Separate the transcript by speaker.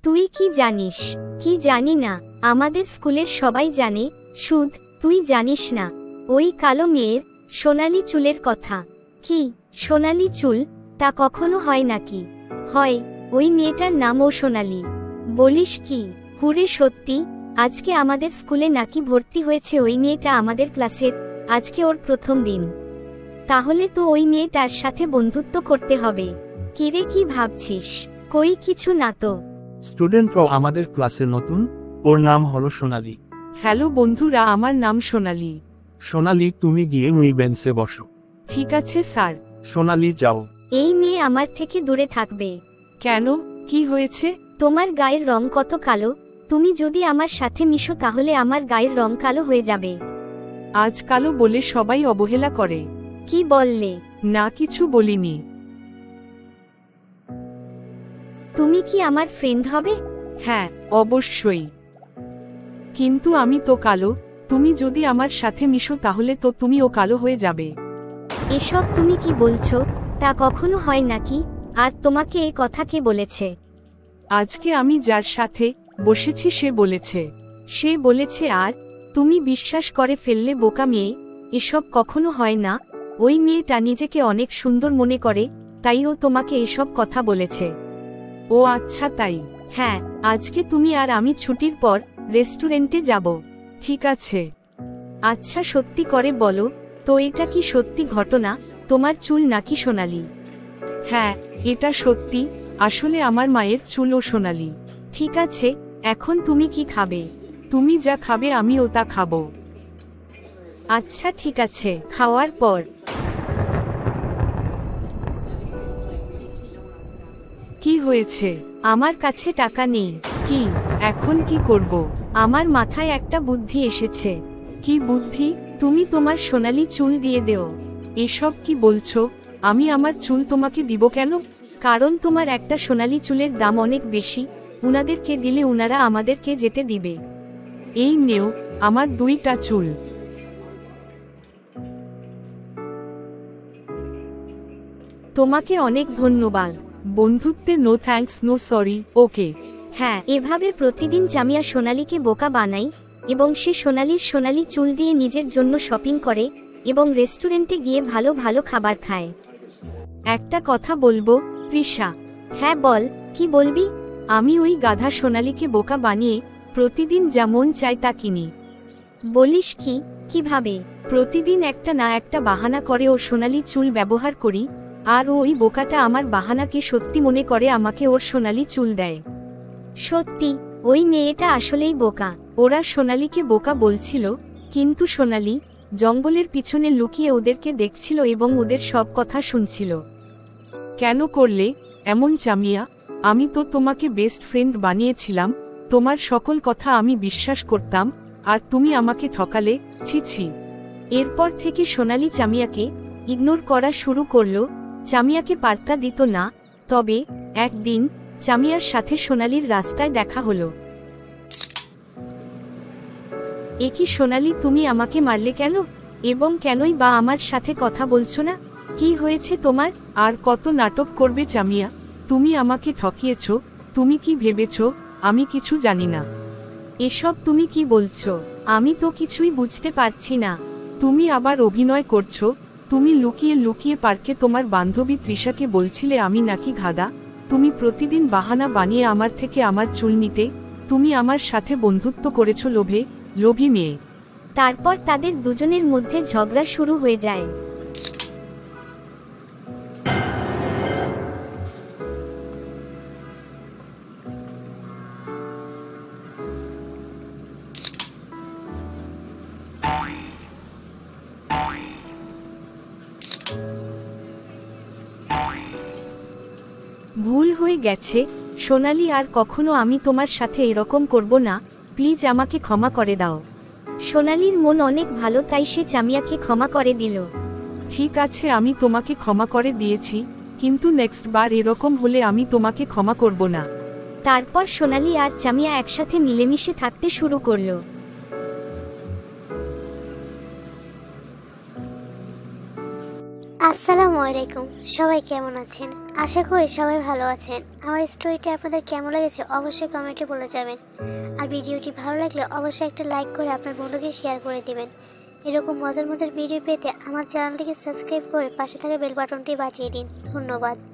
Speaker 1: তুই কি জানিস? কি জানি না, আমাদের স্কুলের সবাই জানে, সুধ তুই জানিস না ওই কালো মেয়ের সোনালি চুলের কথা? কি সোনালি চুল? তা কখনো হয় নাকি? হয়, ওই মেয়েটার নামও সোনালি। বলিস কি? হুরে সত্যি? আজকে আমাদের স্কুলে নাকি ভর্তি হয়েছে ওই মেয়েটা আমাদের ক্লাসের। আজকে ওর প্রথম দিন। তাহলে তো ওই মেয়েটার সাথে বন্ধুত্ব করতে হবে। কিরে, কি ভাবছিস? কই কিছু না তো।
Speaker 2: স্টুডেন্টরাও আমাদের ক্লাসে নতুন, ওর নাম হলো সোনালি।
Speaker 3: হ্যালো বন্ধুরা, আমার নাম সোনালি।
Speaker 2: সোনালি, তুমি গিয়ে ওই বেঞ্চে বসো।
Speaker 3: ঠিক আছে স্যার।
Speaker 2: সোনালি, যাও।
Speaker 1: এই মেয়ে আমার থেকে দূরে থাকবে।
Speaker 3: কেন, কি হয়েছে?
Speaker 1: তোমার গায়ের রং কত কালো। তুমি যদি আমার সাথে মিশো তাহলে আমার গায়ের রং কালো হয়ে যাবে।
Speaker 3: আজ কালো বলে সবাই অবহেলা করে।
Speaker 1: কি বললে?
Speaker 3: না, কিছু বলিনি।
Speaker 1: তুমি কি আমার ফ্রেন্ড হবে?
Speaker 3: হ্যাঁ, অবশ্যই। কিন্তু আমি তো কালো, তুমি যদি আমার সাথে মিশো তাহলে তো তুমিও কালো হয়ে যাবে।
Speaker 1: এসব তুমি কি বলছো? তা কখনো হয় নাকি? আর তোমাকে এই কথা কে বলেছে?
Speaker 3: আজকে আমি যার সাথে বসেছি সে বলেছে। আর তুমি বিশ্বাস করে ফেললে বোকা মেয়ে। এসব কখনো হয় না। ওই মেয়েটা নিজেকে অনেক সুন্দর মনে করে, তাই ও তোমাকে এসব কথা বলেছে। ও আচ্ছা, তাই। হ্যাঁ, আজকে তুমি আর আমি ছুটির পর রেস্টুরেন্টে যাব। ঠিক আছে। আচ্ছা, সত্যি করে বলো তো, এটা কি সত্যি ঘটনা? তোমার চুল নাকি সোনালি? হ্যাঁ, এটা সত্যি। আসলে আমার মায়ের চুলও সোনালি। ঠিক আছে, এখন তুমি কি খাবে? তুমি যা খাবে আমিও তা খাবো। আচ্ছা ঠিক আছে, খাওয়ার পর। কি হয়েছে? আমার কাছে টাকা নেই। কি, এখন কি করব? আমার মাথায় একটা বুদ্ধি এসেছে। কি বুদ্ধি? তুমি তোমার সোনালি চুল দিয়ে দেও। এসব কি বলছো? আমি আমার চুল তোমাকে দিব কেন? কারণ তোমার একটা সোনালি চুলের দাম অনেক বেশি। উনাদেরকে দিলে উনারা আমাদেরকে যেতে দিবে। এই নেও, আমার 2টা চুল। তোমাকে অনেক ধন্যবাদ। বন্ধুত্বে no thanks no sorry, okay?
Speaker 1: হ্যাঁ, এভাবে প্রতিদিন জামিয়া সোনালীকে বোকা বানাই এবং সে সোনালীর সোনালি চুল দিয়ে নিজের জন্য শপিং করে এবং রেস্টুরেন্টে গিয়ে ভালো ভালো খাবার খায়।
Speaker 3: একটা কথা বলবো, তৃষা।
Speaker 1: হ্যাঁ বল, কি বলবি?
Speaker 3: আমি ওই গাধা সোনালীকে বোকা বানিয়ে প্রতিদিন যা মন চায় তা কিনি।
Speaker 1: বলিস কি? কিভাবে?
Speaker 3: প্রতিদিন একটা না একটা বাহানা করে ওর সোনালি চুল ব্যবহার করি, আর ওই বোকাটা আমার বাহানাকে সত্যি মনে করে আমাকে ওর সোনালি চুল দেয়।
Speaker 1: সত্যি? ওই মেয়েটা আসলেই বোকা।
Speaker 3: ওরা সোনালীকে বোকা বলছিল, কিন্তু সোনালী জঙ্গলের পিছনে লুকিয়ে ওদেরকে দেখছিল এবং ওদের সব কথা শুনছিল। কেন করলে এমন জামিয়া? আমি তো তোমাকে বেস্ট ফ্রেন্ড বানিয়েছিলাম, তোমার সকল কথা আমি বিশ্বাস করতাম, আর তুমি আমাকে ঠকালে। ছি ছি। এরপর থেকে সোনালী জামিয়াকে ইগনোর করা শুরু করলো। জামিয়াকে পাত্তা দিত না। তবে একদিন জামিয়ার সাথে সোনালীর রাস্তায় দেখা হলো। এ কি সোনালী, তুমি আমাকে মারলে কেন? এবং কেনই বা আমার সাথে কথা বলছো না? কি হয়েছে তোমার? আর কত নাটক করবে জামিয়া? তুমি আমাকে ঠকিয়েছ। তুমি কি ভেবেছ আমি কিছু জানি না? এসব তুমি কি বলছো? আমি তো কিছুই বুঝতে পারছি না। তুমি আবার অভিনয় করছো। তুমি লুকিয়ে লুকিয়ে পার্কে তোমার বান্ধবী তৃষাকে বলছিলে আমি নাকি গাধা। তুমি প্রতিদিন বাহানা বানিয়ে আমার থেকে আমার চুল নিতে। তুমি আমার সাথে বন্ধুত্ব করেছো লোভী মেয়ে।
Speaker 1: তারপর তাদের দুজনের মধ্যে ঝগড়া শুরু হয়ে যায়।
Speaker 3: ভুল হয়ে গেছে সোনালী, আর কখনো আমি তোমার সাথে এরকম করব না। প্লিজ আমাকে ক্ষমা করে দাও।
Speaker 1: সোনালীর মন অনেক ভালো, তাই সে জামিয়াকে ক্ষমা করে দিল।
Speaker 3: ঠিক আছে, আমি তোমাকে ক্ষমা করে দিয়েছি, কিন্তু নেক্সট বার এরকম হলে আমি তোমাকে ক্ষমা করব না।
Speaker 1: তারপর সোনালী আর জামিয়া একসাথে মিলেমিশে থাকতে শুরু করলো।
Speaker 4: আসসালামু আলাইকুম, সবাই কেমন আছেন? আশা করি সবাই ভালো আছেন। আমার স্টোরিটি আপনাদের কেমন লেগেছে অবশ্যই কমেন্টে বলে যাবেন। আর ভিডিওটি ভালো লাগলে অবশ্যই একটা লাইক করে আপনার বন্ধুকে শেয়ার করে দিবেন। এরকম মজার মজার ভিডিও পেতে আমার চ্যানেলটিকে সাবস্ক্রাইব করে পাশে থাকা বেল বাটনটি বাজিয়ে দিন। ধন্যবাদ।